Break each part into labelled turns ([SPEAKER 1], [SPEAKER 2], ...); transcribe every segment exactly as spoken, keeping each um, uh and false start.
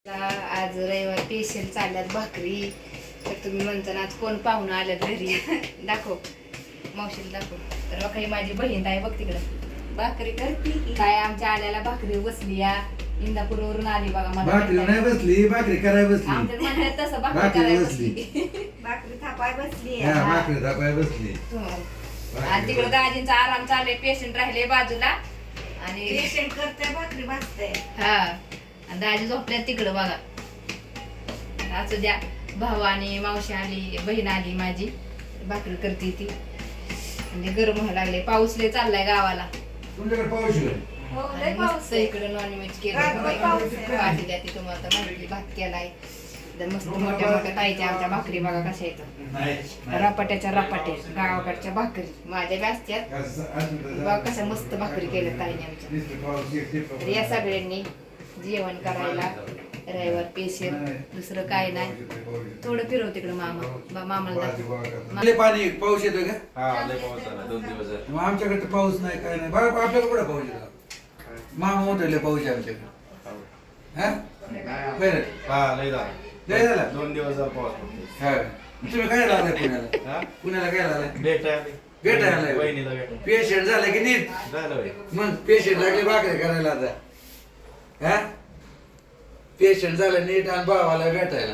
[SPEAKER 1] आज रविवार स्पेशल चालल्यात भाकरी. तर तुम्ही म्हणता ना आज कोण पाहुणं आल्यात घरी. दाखव मावशीला दाखव. तर काही माझी बहीण आहे बघ तिकडं भाकरी करते काय. आमच्या आल्याला भाकरी बसली या इंदापूरवरून आली बघा. मला
[SPEAKER 2] भाकरी नाही बसली, भाकरी कराय बसली.
[SPEAKER 1] आमच्या म्हणतात तसं भाकरी करायला बसली.
[SPEAKER 3] भाकरी थापाय बसली.
[SPEAKER 2] हा, भाकरी थापाय बसली.
[SPEAKER 1] आणि तिकडं दाजींचा आराम चालू. पेशंट राहिले बाजूला आणि
[SPEAKER 3] पेशंट करते भाकरी भाजते.
[SPEAKER 1] हा आणि दाजी झोपल्यात तिकडं बघा. असू द्या. भाऊ आणि मावशी आली, बहीण आली माझी, भाकरी करते ती. म्हणजे गरम व्हायला लागले. पाऊस लय चाललाय गावाला.
[SPEAKER 2] तुमच्याकडे पाऊस आहे?
[SPEAKER 3] हो लय पाऊस
[SPEAKER 1] मस्त
[SPEAKER 3] आहे.
[SPEAKER 1] इकडे नॉनव्हेज केलं.
[SPEAKER 3] रात्रभर पाऊस आहे.
[SPEAKER 1] भाजी द्या ती तुम्हाला माहिती. भात केलाय एकदम मस्त. मोठ्या मोठ्या ताईच्या आमच्या भाकरी बघा कशा येतात.
[SPEAKER 2] नाही.
[SPEAKER 1] रपाट्याच्या रपाटे गावाकडच्या भाकरी माझ्या बी असत्यात. बघा कशा मस्त भाकरी केल्या ताईने आमच्या. तर या सगळ्यांनी जेवण करायला रविवार स्पेशल. दुसरं काय नाही. थोडं फिरव तिकडं मामा बा- मामाला दाखव.
[SPEAKER 2] लय पाणी पाऊस येतोय का?
[SPEAKER 4] हा लय पाऊस झाला दोन दिवस झाले.
[SPEAKER 2] मग आमच्याकडे तर पाऊस नाही, काय नाही. बरं आपल्याकडे कुठं पाऊस येतो? मामा म्हणतो लय पाऊस आहे आमच्याकडे. हा बरं.
[SPEAKER 4] हा लय झाला.
[SPEAKER 2] लय झाला?
[SPEAKER 4] दोन दिवस झाला पाऊस पडतोय.
[SPEAKER 2] हा तुम्ही काय लागलाय पुण्याला?
[SPEAKER 4] हा?
[SPEAKER 2] पुण्याला काय लागलाय?
[SPEAKER 4] भेटायला
[SPEAKER 2] भेटायला आलाय?
[SPEAKER 4] वहिनीला भेटायला
[SPEAKER 2] पेशंट झालं की नीट.
[SPEAKER 4] झालं होय.
[SPEAKER 2] मग पेशंट लागले भाकरी करायला आता. हा पेशंट झालं नीट आणि भावाला भेटायला.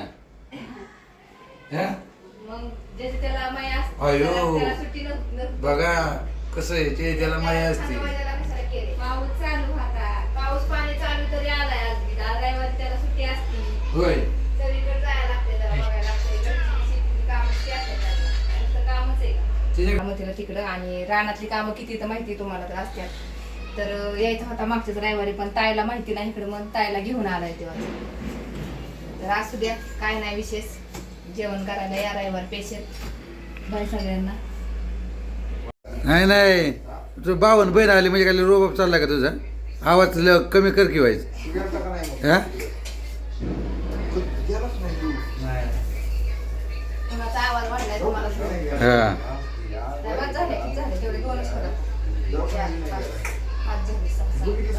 [SPEAKER 2] हा
[SPEAKER 1] मग ज्याची त्याला माया असते,
[SPEAKER 2] अयो.
[SPEAKER 1] त्याला- त्याला सुट्टी नस- नस-
[SPEAKER 2] बघा कसं आहे ते, त्याला माया असते.
[SPEAKER 1] त्याला कशाला केले? पाऊस चालू होता. पाऊस पाणी चालू तरी आलाय आज बी. आज रविवारी त्याला सुट्टी असती.
[SPEAKER 2] होय.
[SPEAKER 1] सगळीकडे जायला लागते, जरा बघायला लागते. घरची शेतीची कामं किती असतात त्याला. नुसतं कामच आहे का?
[SPEAKER 2] त्याच्या-
[SPEAKER 1] कामं तिला तिकडं आणि रानातली कामं किती तर माहिती तुम्हाला तर असतात. तर यायचा होता मागच्याच रविवारी पण ताईला माहिती नाही इकडे. मग ताईला घेऊन आलाय तेव्हा. तर असू द्या काय नाही विशेष. जेवण करायला या रविवार स्पेशल. बाय सगळ्यांना.
[SPEAKER 2] नाही नाही तुझं बावन बहीण आली म्हणजे काय रोबाब चालला का तुझा? आवाज ल- कमी कर की व्हायचं. हा
[SPEAKER 1] कुणाचा आवाज वाढलाय तुम्हाला?
[SPEAKER 2] हा
[SPEAKER 1] नाही, बस झाले, झाले. तेवढे दोनच होतात. चार, पाच, पाच झाले, सहा, सात.